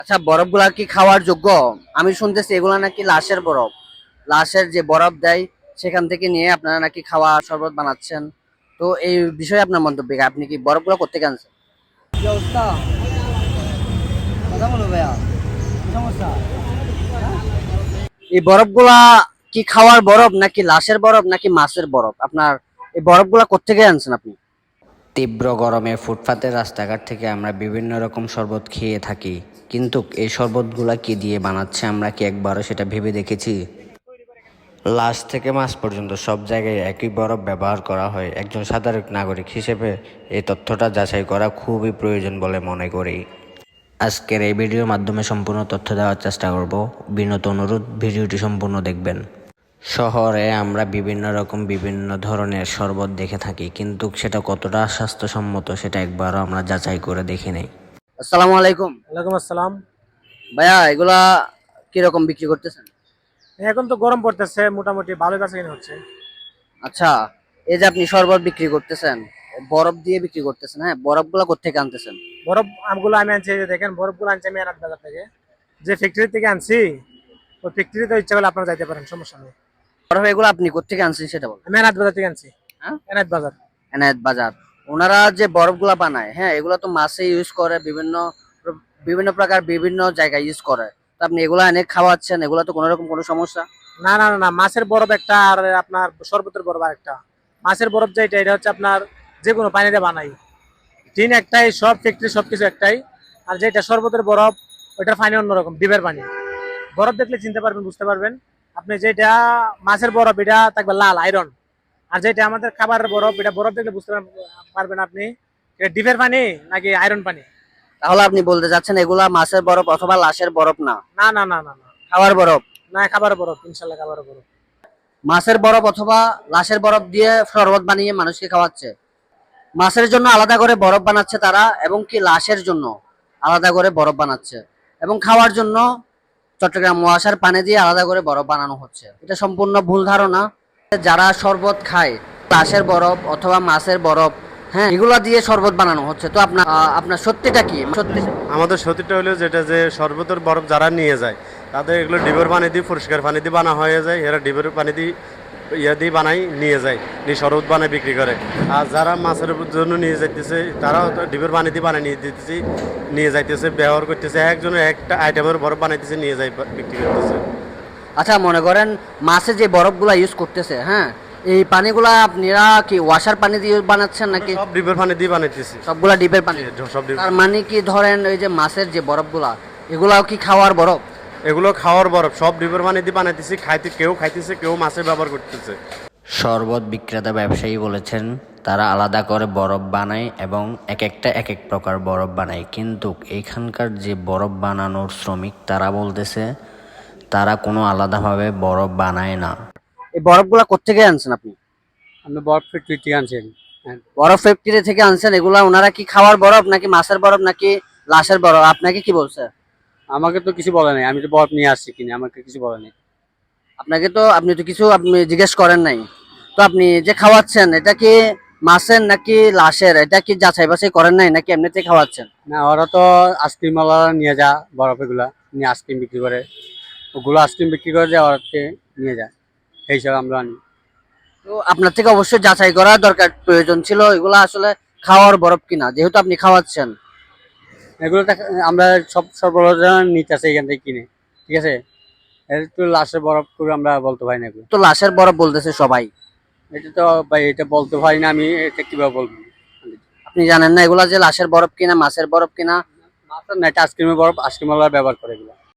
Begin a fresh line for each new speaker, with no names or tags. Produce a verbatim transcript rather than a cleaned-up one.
আচ্ছা, বরফগুলা কি খাওয়ার যোগ্য? আমি শুনতেছি এগুলা নাকি লাশের বরফ। লাশের যে বরফ দেয় সেখান থেকে নিয়ে আপনারা নাকি খাওয়া শরবত বানাচ্ছেন। তো এই বিষয়ে আপনার মন্তব্য কি? আপনি কি বরফগুলো কোত্থেকে আনছেন?
কি অবস্থা? কথা বলো ভাইয়া, কি সমস্যা?
এই বরফগুলা কি খাওয়ার বরফ নাকি লাশের বরফ নাকি মাছের বরফ? আপনার এই বরফগুলা কোত্থেকে আনছেন আপনি?
তীব্র গরমে ফুটপাতের রাস্তাঘাট থেকে আমরা বিভিন্ন রকম শরবত খেয়ে থাকি, কিন্তু এই শরবতগুলা কি দিয়ে বানাচ্ছে আমরা কি একবারও সেটা ভেবে দেখেছি? লাশ থেকে মাছ পর্যন্ত সব জায়গায় একই বরফ ব্যবহার করা হয়। একজন সাধারণ নাগরিক হিসেবে এই তথ্যটা যাচাই করা খুবই প্রয়োজন বলে মনে করি। আজকের এই ভিডিওর মাধ্যমে সম্পূর্ণ তথ্য দেওয়ার চেষ্টা করব। বিনত অনুরোধ, ভিডিওটি সম্পূর্ণ দেখবেন। শহরে আমরা বিভিন্ন রকম বিভিন্ন ধরনের শরবত দেখে থাকি, কিন্তু সেটা কতটা স্বাস্থ্যসম্মত সেটা একবারও আমরা যাচাই করে দেখি নাই।
আসসালামু আলাইকুম।
ওয়ালাইকুম আসসালাম।
ভাইয়া, এগুলা কিরকম বিক্রি করতেছেন?
এখন তো গরম পড়তেছে, মোটামুটি ভালো কাছে কিনে হচ্ছে।
আচ্ছা, এই যে আপনি শরবত বিক্রি করতেছেন, বরফ দিয়ে বিক্রি করতেছেন, হ্যাঁ, বরফগুলা কোত্থেকে আনতেছেন?
বরফ আমগুলো আমি আনছি, এই যে দেখেন বরফগুলো আনছি আমি এনাদ বাজার থেকে। যে ফ্যাক্টরি থেকে আনছি, ওই ফ্যাক্টরিতে ইচ্ছা করলে আপনারা যাইতে পারেন, সমস্যা নেই।
বরফ এগুলো আপনি কোত্থেকে আনছেন সেটা বল।
আমি এনাদ বাজার থেকে আনছি।
হ্যাঁ,
এনাদ বাজার।
এনায়েত বাজার। ওনারা যে বরফগুলা বানায়, হ্যাঁ, এগুলো তো মাছে ইউজ করে, বিভিন্ন বিভিন্ন প্রকার বিভিন্ন জায়গায় ইউজ করে। তো আপনি এগুলা এনে খাওয়াচ্ছেন, এগুলা তো কোনো রকম কোনো সমস্যা?
না না না না, মাছের বরফ একটা আর আপনার শরবতের বরফ আর একটা। মাছের বরফ যেটা, এটা হচ্ছে আপনার যে কোনো পানিতে বানাই। টিন একটাই, সব ফ্যাক্টরি সবকিছু একটাই। আর যেটা শরবতের বরফ, ওইটার পানি অন্যরকম, ডিবের পানি। বরফ দেখলে চিনতে পারবেন, বুঝতে পারবেন। আপনি যেটা মাছের বরফ, এটা থাকবে লাল আয়রন। আর যেটা আমাদের খাবারের বরফ, এটা বরফ দেখলে বুঝতে পারবেন আপনি এটা ডিপের পানি নাকি আয়রন পানি।
তাহলে আপনি বলতে চাচ্ছেন এগুলা মাছের বরফ অথবা লাশের বরফ না,
না না না না না,
খাওয়ার বরফ?
না খাবারের বরফ, ইনশাল্লাহ খাবারের বরফ।
মাছের বরফ অথবা লাশের বরফ দিয়ে শরবত বানিয়ে মানুষকে খাওয়াচ্ছে। মাছের জন্য আলাদা করে বরফ বানাচ্ছে তারা, এবং কি লাশের জন্য আলাদা করে বরফ বানাচ্ছে, এবং খাওয়ার জন্য চট্টগ্রাম মহাশার পানি দিয়ে আলাদা করে বরফ বানানো হচ্ছে। এটা সম্পূর্ণ ভুল ধারণা। যারা শরবত খায়, লাশের বরফ অথবা মাছের বরফ, হ্যাঁ, এগুলা দিয়ে শরবত বানানো হচ্ছে। তো আপনার আহ, আপনার সত্যিটা কি? সত্যি
আমাদের সত্যিটা হলো যেটা, যে শরবতের বরফ যারা নিয়ে যায় তাদের এগুলো ডিবের পানি দিয়ে, পরিষ্কার পানি দিয়ে বানা হয়ে যায়। এরা ডিবের পানি দিয়ে ইয়ে দিয়ে বানাই নিয়ে যায়, নিয়ে শরবত বানায় বিক্রি করে। আর যারা মাছের জন্য নিয়ে যাইতেছে তারাও তো ডিবের পানি দিয়ে বানায় নিয়ে দিতেছে, নিয়ে যাইতেছে, ব্যবহার করতেছে। একজনের একটা আইটেমের বরফ বানাইতেছে, নিয়ে যায় বিক্রি করতেছে।
আচ্ছা, মনে করেন মাছে যে বরফগুলা ইউজ করতেছে, হ্যাঁ, এই পানিগুলা আপনারা কি ওয়াশার পানি দিয়ে বানাচ্ছেন নাকি
সব ডিবের পানি দিয়ে বানাইতেছি,
সবগুলা ডিপের পানি?
সব ডিপ।
তার মানে কি, ধরেন এই যে মাছের যে বরফগুলা, এগুলাও কি খাওয়ার বরফ?
এগুলো খাওয়ার বরফ, সব ডিবের পানি দিয়ে বানাইতেছি। খাইতে কেউ খাইতেছে, কেউ মাছের ব্যবহার করতেছে।
শরবত বিক্রেতা ব্যবসায়ী বলেছেন তারা আলাদা করে বরফ বানায় এবং এক একটা এক এক প্রকার বরফ বানায়, কিন্তু এইখানকার যে বরফ বানানোর শ্রমিক তারা বলতেছে তারা কোনো আলাদাভাবে বরফ বানায় না।
এই বরফগুলা কোত্থেকে আনছেন আপনি?
আমি বরফ ফ্যাক্টরি থেকে আনছি।
বরফ ফ্যাক্টরি থেকে আনছেন। এগুলা ওনারা কি খাওয়ার বরফ নাকি মাছের বরফ নাকি লাশের বরফ? আপনাকে কি বলছে?
আমাকে তো কিছু বলে নাই, আমি তো বরফ নিয়ে আসছি কিনে, আমাকে কিছু বলে নাই।
আপনাকে তো, আপনি তো কিছু আপনি জিজ্ঞেস করেন নাই। তো আপনি যে খাওয়াচ্ছেন এটা কি মাছের নাকি লাশের, এটা কি যাচাই বাছাই করেন নাই নাকি এমনিতে খাওয়াচ্ছেন?
না, ওরা তো আইসক্রিম ওয়ালা নিয়ে যা বরফ, এগুলা নিয়ে আইসক্রিম বিক্রি করে। ওগুলো আইসক্রিম বিক্রি করে যে ওরাকে নিয়ে যায়, সেই হিসাবে আমরা আনি।
তো আপনার থেকে অবশ্যই যাচাই করা দরকার, প্রয়োজন ছিল এগুলা আসলে খাওয়ার বরফ কিনা, যেহেতু আপনি খাওয়াচ্ছেন।
এগুলো তো আমরা সব সরবরাহ নিতে আসে এখান থেকে কিনে, ঠিক আছে। এটা তো লাশের বরফ করে আমরা বলতে পারি না এগুলো।
তো লাশের বরফ বলতেছে সবাই।
এটা তো ভাই, এটা বলতে পারি না আমি, এটা কিভাবে বলবো?
আপনি জানেন না এগুলা যে লাশের বরফ কিনা মাছের বরফ কিনা?
মাছের না, এটা আইসক্রিমের বরফ, আইসক্রিম ওয়ালা ব্যবহার করে এগুলো।